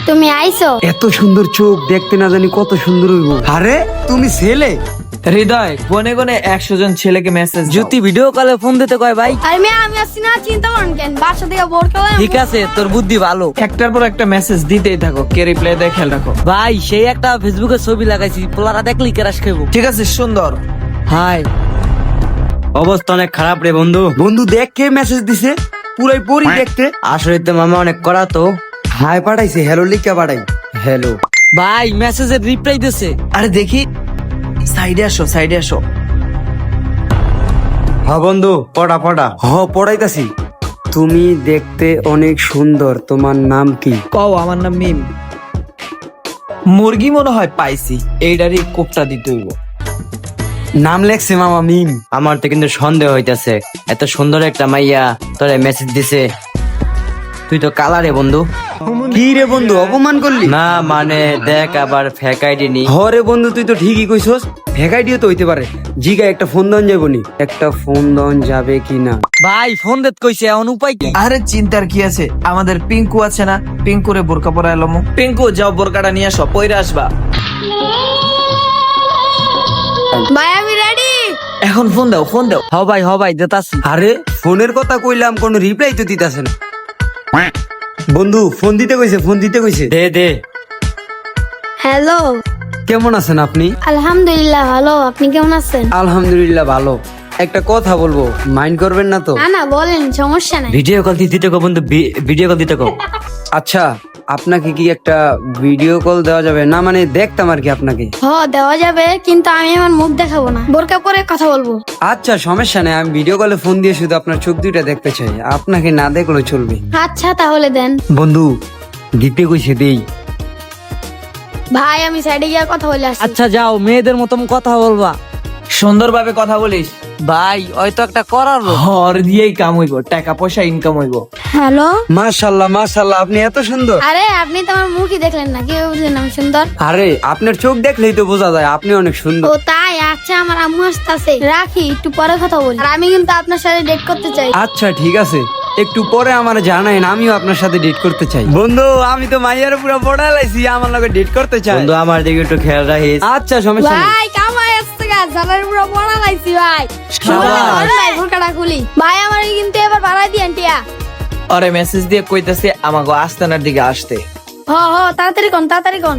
তুমি আইছো। এত সুন্দর চোখ দেখতে না জানি কত সুন্দর হইব। আরে তুমি ছেলে? হৃদয় গনে গনে 100 জন ছেলেকে মেসেজ জ্যোতি ভিডিও কলে ফোন দিতে কয় ভাই। আর আমি আসছি না, চিন্তা করেন কেন, বাসা থেকে বোর করে ঠিক আছে, তোর বুদ্ধি ভালো। একটার পর একটা মেসেজ দিতেই থাকো, কে রিপ্লাই দেয় খেয়াল রাখো। ভাই সেই একটা ফেসবুকে ছবি লাগাইছি, পোলারা দেখলি কেরাস খাইবো। ঠিক আছে, সুন্দর। হাই, অবস্থা অনেক খারাপ রে বন্ধু। বন্ধু দেখ কে মেসেজ দিছে, পুরাই পরি দেখতে। আসলে তো মামা অনেক করা তো। হাই পাঠাইছে, হ্যালো লিখা পাঠাই। হ্যালো ভাই মেসেজের রিপ্লাই দিছে। আরে দেখি, সাইডে আসো, সাইডে আসো। হ্যাঁ বন্ধু, পড়া পড়া। পড়াইতাছি। তুমি দেখতে অনেক সুন্দর, তোমার নাম কি? কও, আমার নাম মিম। মুরগি মনে হয় পাইছি, এইটারই কোপটা দিতে হইব। নাম লেখছে মামা মিম। আমার তো কিন্তু সন্দেহ হইতাছে, এত সুন্দর একটা মাইয়া তোরে মেসেজ দিছে, তুই তো কালা রে বন্ধু। কি রে বন্ধু, অপমান করলি? না মানে দেখ, আবার ফেক আইডি নি। হরে বন্ধু, তুই তো ঠিকই কইছস, ভ্যাকাইডিও তো হইতে পারে। জিগা একটা ফোন দন যাবো নি, একটা ফোন দন যাবে কিনা? ভাই ফোন দিতে কইছে, এখন উপায় কি? আরে চিন্তার কি আছে, আমাদের পিঙ্কু আছে না, পিঙ্কুরে বোরকা পরা এলাম। পিঙ্কু যাও, বোরকাটা নিয়ে আসো, পইরা আসবা। ভাই আমি রেডি। এখন ফোন দাও, ফোন দাও। হ ভাই দেতাছি। আরে ফোনের কথা কইলাম, কোনো রিপ্লাই তো দিতাছে না। বন্ধু ফোন দিতে কইছে, ফোন দিতে কইছে। দে দে। হ্যালো, কেমন আছেন আপনি? আলহামদুলিল্লাহ ভালো, আপনি কেমন আছেন? আলহামদুলিল্লাহ ভালো। একটা কথা বলবো, মাইন্ড করবেন না তো? না না বলেন, সমস্যা নাই। ভিডিও কল দিতে কো বন্ধু, ভিডিও কল দিতে কো। আচ্ছা, আপনাকে কি একটা ভিডিও কল দেওয়া যাবে? না মানে দেখতাম আর কি আপনাকে। দেওয়া যাবে, কিন্তু আমি আমার মুখ দেখাবো না, বোরকা পরে কথা বলবো। আচ্ছা সমস্যা নেই, আমি ভিডিও কলে ফোন দিয়ে শুধু আপনার চোখ দুইটা দেখতে চাই, আপনাকে না দেখলেও চলবে। আচ্ছা তাহলে দেন। বন্ধু দিতে কইছে, দেই। ভাই আমি সাইডে গিয়ে কথা বলে আসছি। আচ্ছা যাও, মেয়েদের মতন কথা বলবা। সুন্দরভাবে কথা বলিস। ভাই হয়তো একটা করার লোক। হর দিয়েই কাম হইব, টাকা পয়সা ইনকাম হইব। হ্যালো। মাশাআল্লাহ মাশাআল্লাহ, আপনি এত সুন্দর। আরে আপনি তো আমার মুখই দেখলেন না, কি বুঝলেন আমি সুন্দর? আরে আপনার চোখ দেখলেই তো বোঝা যায় আপনি অনেক সুন্দর। ও তাই? আচ্ছা আমার আম্মু আসতেছে, রাখি, একটু পরে কথা বলি। আর আমি কিন্তু আপনার সাথে ডেট করতে চাই। আচ্ছা ঠিক আছে, একটু পরে আমার জানাইন, আমিও আপনার সাথে ডেট করতে চাই। বন্ধু আমি তো মাইয়ার পুরো পড়া লাইছি, আমার লগে ডেট করতে চাই। বন্ধু আমার দিকে একটু খেয়াল রাখিস। আচ্ছা সমস্যা নেই। ভাই কামাই আসছে গা, জানার পুরো পড়া লাইছি ভাই। শাবাশ। ভাই বোরকাটা খুলি। ভাই আমার কিন্তু এবার বাড়াই দিয়েন টিয়া। আরে মেসেজ দিয়ে কইতাছে আমাকে আস্তানার দিকে আসতে। তাড়াতাড়ি কোন, তাড়াতাড়ি কোন।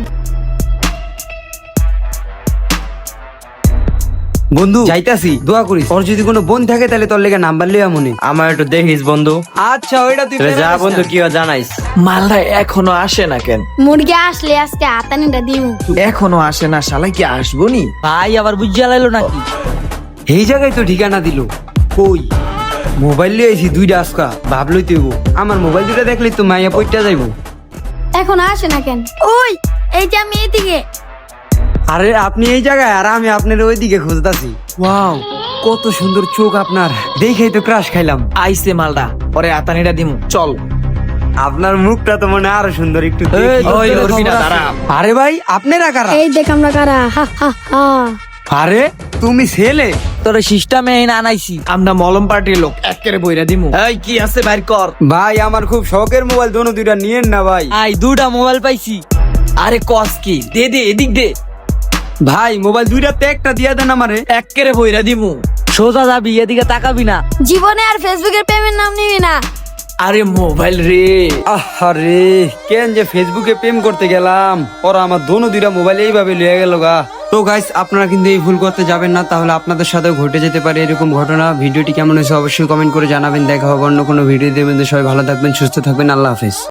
বন্ধু যাইতাছি, দোয়া করিস। ওর যদি কোনো বোন থাকে তাহলে তোর লেগে নাম্বার লইয়া মনে। আমার একটু দেখিস বন্ধু। আচ্ছা ওইটা তুই তাহলে যা পেরে বন্ধু, যাস না। কি হয় জানাইস। মালটা এখনো আসে না কেন? মুরগি আসলে আজকে হাতানিটা দিমু। এখনো আসে না, শালা কি আসবো নি? ভাই আবার বুঝিয়া লাইলো নাকি? এই জায়গায় তো ঠিকানা দিল। কই মোবাইল লিয়ে আইছি দুইটা, আজকা ভাবলই তুই আমার মোবাইল দুইটা দেখলি তো মাইয়া পইটা যাইবো। এখন আসে না কেন? ওই এই যে আমি এইদিকে। আরে আপনি এই জায়গায় আর আমি আপনার ওইদিকে খুঁজতাছি। ওয়াও কত সুন্দর চোখ আপনার, দেখেই তো ক্রাশ খাইলাম। আইসে মালটা, পরে আতানিটা দিমু, চল। আপনার মুখটা তো মনে হয় আরো সুন্দর, একটু এই, দেখি। ওই উর্মিলা, দাঁড়া। আরে ভাই আপনারা কারা? এই দেখ আমরা কারা। হা হা হা। আরে তুমি ছেলে? তোর সিস্টেমে আনাইছি। আমরা মলম পার্টির লোক, একেবারে বইরা দিমু। এই কি আছে বাইর কর। ভাই আমার খুব শখের মোবাইল, দোনো দুইটা নিয়েন না ভাই। আই দুটা মোবাইল পাইছি। আরে কস কি, দে দে, এদিক দে। ভাই মোবাইল দুইটাতে একটা দিয়া দেন আমারে। একেবারে বইরা দিমু। সোজা যাবি, এদিকে তাকাবি না। জীবনে আর ফেসবুকের প্রেমের নাম নিবি না। আরে মোবাইল রে। আরে কেন যে ফেসবুকে প্রেম করতে গেলাম, ওরা আমার দোনো দুইটা মোবাইল এইভাবে লিয়ে গেল গা। তো গাইস আপনারা কিন্তু এই ভুল করতে যাবেন না, তাহলে আপনাদের সাথেও ঘটে যেতে পারে এরকম ঘটনা। ভিডিওটি কেমন হয়েছে অবশ্যই কমেন্ট করে জানাবেন। দেখা হবে অন্য কোনো ভিডিও দেবেন। সবাই ভালো থাকবেন, সুস্থ থাকবেন, আল্লাহ হাফেজ।